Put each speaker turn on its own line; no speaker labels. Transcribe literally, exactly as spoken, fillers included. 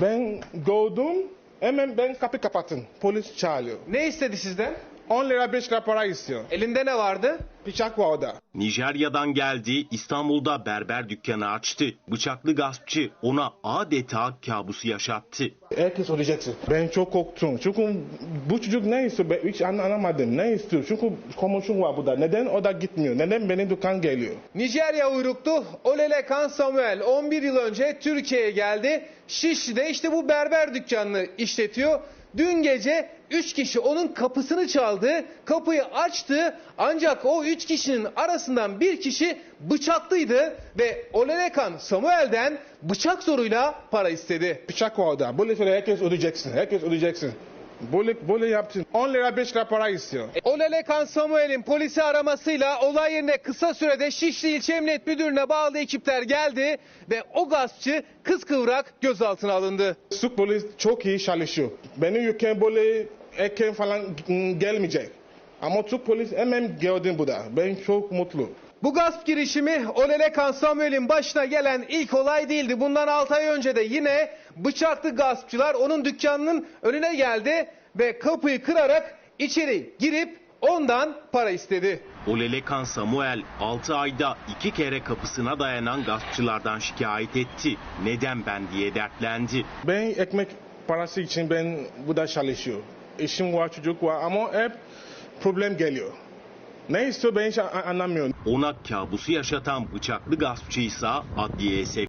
Ben gördüm, hemen ben kapı kapattım. Polis çağırıyor.
Ne istedi sizden?
on lira beş lira para istiyor.
Elinde ne vardı?
Bıçak var orada.
Nijerya'dan geldi, İstanbul'da berber dükkanı açtı. Bıçaklı gaspçı ona adeta kabusu yaşattı.
Herkes ödeyeceksin. Ben çok korktum. Çünkü bu çocuk ne istiyor? Ben hiç anlamadım. Ne istiyor? Çünkü komşum var burada. Neden o da gitmiyor? Neden benim dükkan geliyor?
Nijerya uyruklu Olelekan Samuel on bir yıl önce Türkiye'ye geldi. Şişli'de işte bu berber dükkanını işletiyor. Dün gece üç kişi onun kapısını çaldı, kapıyı açtı ancak o üç kişinin arasından bir kişi bıçaklıydı ve Olelekan Samuel'den bıçak zoruyla para istedi.
Bıçak var orada. Böyle söyle herkes ödeyeceksin. Herkes ödeyeceksin. Böyle, böyle yaptın. on lira beş lira para istiyor.
Olelekan Samuel'in polisi aramasıyla olay yerine kısa sürede Şişli İlçe Emniyet Müdürlüğü'ne bağlı ekipler geldi ve o gaspçı kıskıvrak gözaltına alındı.
Türk polis çok iyi çalışıyor. Benim ülkem böyle erken falan gelmeyecek. Ama Türk polis hemen gördüm burada. Ben çok mutlu.
Bu gasp girişimi Olelekan Samuel'in başına gelen ilk olay değildi. Bundan altı ay önce de yine bıçaklı gaspçılar onun dükkanının önüne geldi ve kapıyı kırarak içeri girip ondan para istedi.
Olelekan Samuel altı ayda iki kere kapısına dayanan gaspçılardan şikayet etti. Neden ben diye dertlendi.
Ben ekmek parası için ben burada çalışıyorum. Eşim var, çocuk var ama hep problem geliyor. Ne istiyor ben hiç anlamıyorum.
Ona kabusu yaşatan bıçaklı gaspçıysa adliyeye sevk